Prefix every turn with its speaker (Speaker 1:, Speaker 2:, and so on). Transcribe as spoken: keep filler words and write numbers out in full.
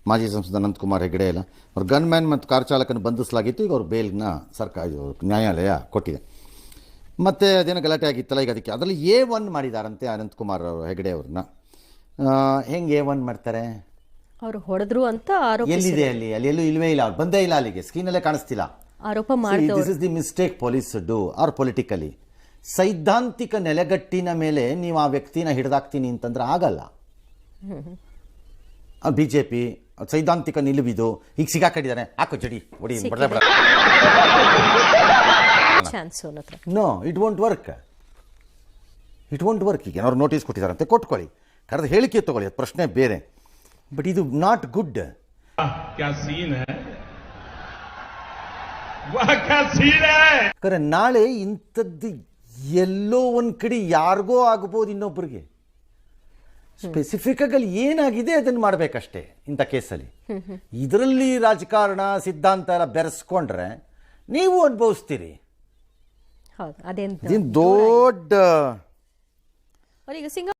Speaker 1: ಮಾಜಿ ಸಂಸದ ಅನಂತಕುಮಾರ್ ಹೆಗಡೆ ಎಲ್ಲ ಅವ್ರ ಗನ್ ಮ್ಯಾನ್ ಮತ್ತು ಕಾರ್ ಚಾಲಕನ ಬಂಧಿಸಲಾಗಿತ್ತು. ಈಗ ಅವ್ರ ಬೇಲ್ನ ಸರ್ಕಾರ ನ್ಯಾಯಾಲಯ ಕೊಟ್ಟಿದೆ. ಮತ್ತು ಅದೇನೋ ಗಲಾಟೆ ಆಗಿತ್ತಲ್ಲ, ಈಗ ಅದಕ್ಕೆ ಅದರಲ್ಲಿ ಎ ಒನ್ ಮಾಡಿದಾರಂತೆ ಅನಂತಕುಮಾರ್ ಅವರು ಹೆಗಡೆ ಅವ್ರನ್ನ. ಹೆಂಗೆ ಎ ಒನ್ ಮಾಡ್ತಾರೆ?
Speaker 2: ಅವರು ಹೊಡೆದ್ರು ಅಂತ ಆರೋಪ.
Speaker 1: ಎಲ್ಲಿದೆ ಅಲ್ಲಿ? ಅಲ್ಲಿ ಎಲ್ಲೂ ಇಲ್ವೇ ಇಲ್ಲ, ಅವ್ರು ಬಂದೇ ಇಲ್ಲ ಅಲ್ಲಿಗೆ, ಸ್ಕ್ರೀನಲ್ಲೇ ಕಾಣಿಸ್ತಿಲ್ಲ.
Speaker 2: ಆರೋಪ ಮಾಡಿದವರು.
Speaker 1: This is the mistake police do are politically. ಸೈದ್ಧಾಂತಿಕ ನೆಲೆಗಟ್ಟಿನ ಮೇಲೆ ನೀವು ಆ ವ್ಯಕ್ತಿನ ಹಿಡಿದಾಕ್ತೀನಿ ಅಂತಂದ್ರೆ ಆಗಲ್ಲ. ಬಿ ಜೆ ಪಿ ಸೈದ್ಧಾಂತಿಕ ನಿಲುವಿದು. ಈಗ ಸಿಗಾಕೊಂಡಿದ್ದಾನೆ, ಹಾಕೋ ಜಡಿ ಹೊಡಿ, no it won't work, it won't work. ಈಗ ಏನಾದ್ರು ನೋಟಿಸ್ ಕೊಟ್ಟಿದ್ದಾರಂತೆ, ಕೊಟ್ಕೊಳ್ಳಿ, ಕರೆದು ಹೇಳಿಕೆ ತಗೊಳ್ಳಿ, ಅದು ಪ್ರಶ್ನೆ ಬೇರೆ. ಬಟ್ ಇದು ನಾಟ್ ಗುಡ್. ಯಾಕಂದ್ರೆ ನಾಳೆ ಇಂಥದ್ದು ಎಲ್ಲೋ ಒಂದು ಕಡೆ ಯಾರಿಗೋ ಆಗ್ಬೋದು, ಇನ್ನೊಬ್ಬರಿಗೆ. ಸ್ಪೆಸಿಫಿಕ್ ಆಗಿ ಅಲ್ಲಿ ಏನಾಗಿದೆ ಅದನ್ನು ಮಾಡಬೇಕಷ್ಟೇ ಇಂಥ ಕೇಸಲ್ಲಿ. ಇದರಲ್ಲಿ ರಾಜಕಾರಣ ಸಿದ್ಧಾಂತ ಎಲ್ಲ ಬೆರೆಸ್ಕೊಂಡ್ರೆ ನೀವು ಅನುಭವಿಸ್ತೀರಿ.
Speaker 2: ಹೌದು, ಅದೇನು
Speaker 1: ದೊಡ್ಡ